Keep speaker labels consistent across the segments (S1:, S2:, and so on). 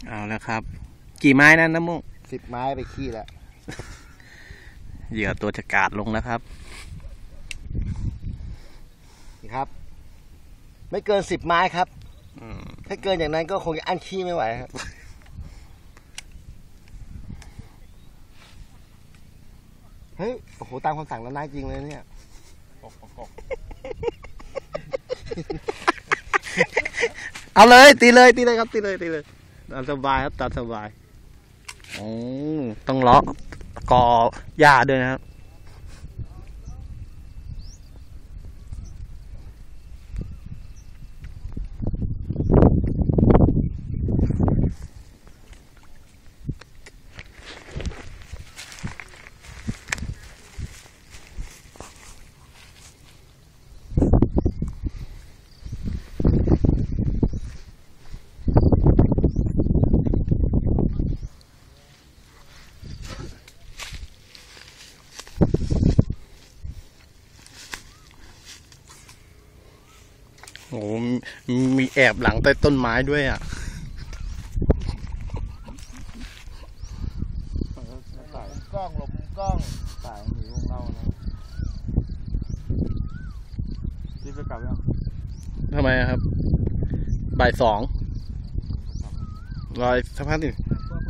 S1: เอาแล้วครับกี่ไม้นั่นน้ำมุก
S2: 10 ไม้ไปขี้แล้ว
S1: เหยื่อตัวจะกาดลงแล้วครับ
S2: นี่ครับ ไม่เกิน10 ไม้ครับถ้าเกินอย่างนั้นก็คงจะอั้นขี้ไม่ไหวครับเฮ้ยโอ้โหตามคำสั่งแล้วน่าจริงเลยเนี่ย
S1: เอาเลยตีเลยครับตีเลยตามสบายครับตามสบายต้องเลาะกอหญ้าด้วยนะครับโอ้มีแอบหลังใต้ต้นไม้ด้วยอ่ะ
S2: กล้องหลบกล้องสายหนีวงเรานะรีบจะกลับยัง
S1: ทำไมครับบ่าย2รอยสักพักหนึ่ง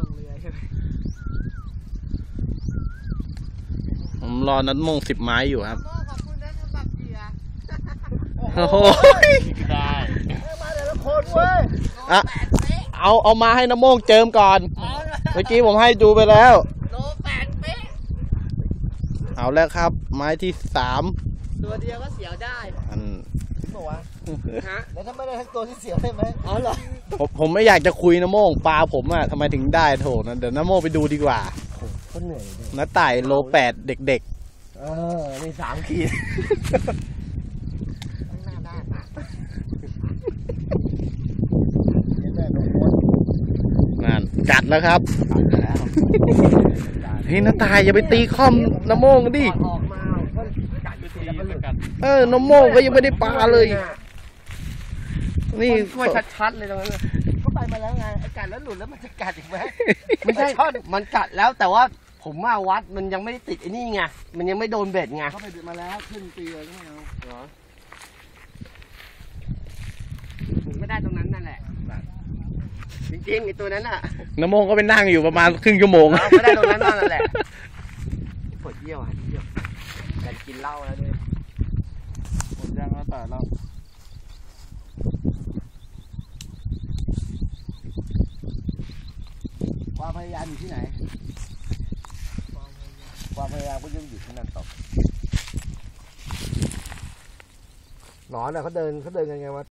S1: ผมรอนัดมง10 ไม้อยู่ครับ
S3: ขอบคุณนะสำหรับเหยื่อ
S1: โอ้โห
S2: ได้มาเดี๋ยวละคนเว้ย
S1: เอามาให้น้ำโมงเจิมก่อนเมื่อกี้ผมให้ดูไปแล้ว
S3: โล8 เป๊ะ
S1: เอาแล้วครับไม้ที่3
S3: ตัวเดียวก็เสียวได้
S2: บอกว่า
S3: ฮะ
S2: แล้วถ้าไม่ได้ทั้งตัวที่เสียวได้ไหม
S3: อ๋อเหรอ
S1: ผมไม่อยากจะคุยน้ำโมงปลาผมอะทำไมถึงได้โถนะเดี๋ยวน้ำโมงไปดูดีกว่า
S2: ก็เหนื่อย
S1: น้าต่ายโล8เด็ก
S2: ๆมี3 ขีด
S3: ข้างหน้าได้
S1: นั่นกัดแล้วครับเฮ้ยน้าต่ายอย่าไปตีค่อมน้ำโมงดิ
S3: ออกมาก็กัดไปทีแล้วก็หลุด
S1: น้ำโมงก็ยังไม่ได้ปลาเลยนี่
S3: ช่วยชัดๆเลยตรงนั้น
S2: ก็ไปมาแล้วไงไอ้กัดแล้วหลุดแล้วมันจะกัดอีกไหม
S3: ไม่ใช่มันกัดแล้วแต่ว่าผมมาวัดมันยังไม่ได้ติดไอ้นี่ไงมันยังไม่โดนเบ็ดไง
S2: เขาไปดึงมาแล้วขึ้นปีเลยไม่เอาเหรอ
S3: ถึงไม่ได้ตรงนั้นนั่นแหละจริงๆไอ้ตัวนั้นอ่ะ
S1: น้ำโมงก็ไปนั่งอยู่ประมาณครึ่งชั่วโมง
S3: ไม่ได้ตรงนั้นนั่นแหละปวดเยี่ยวกันกินเหล้าแล้วด้วย
S2: ผมย่างแล้วแต่เราความพยายามอยู่ที่ไหนความพยายามก็ยังอยู่ที่นั่นต่อหนอนเนี่ยเขาเดินกันไงวะ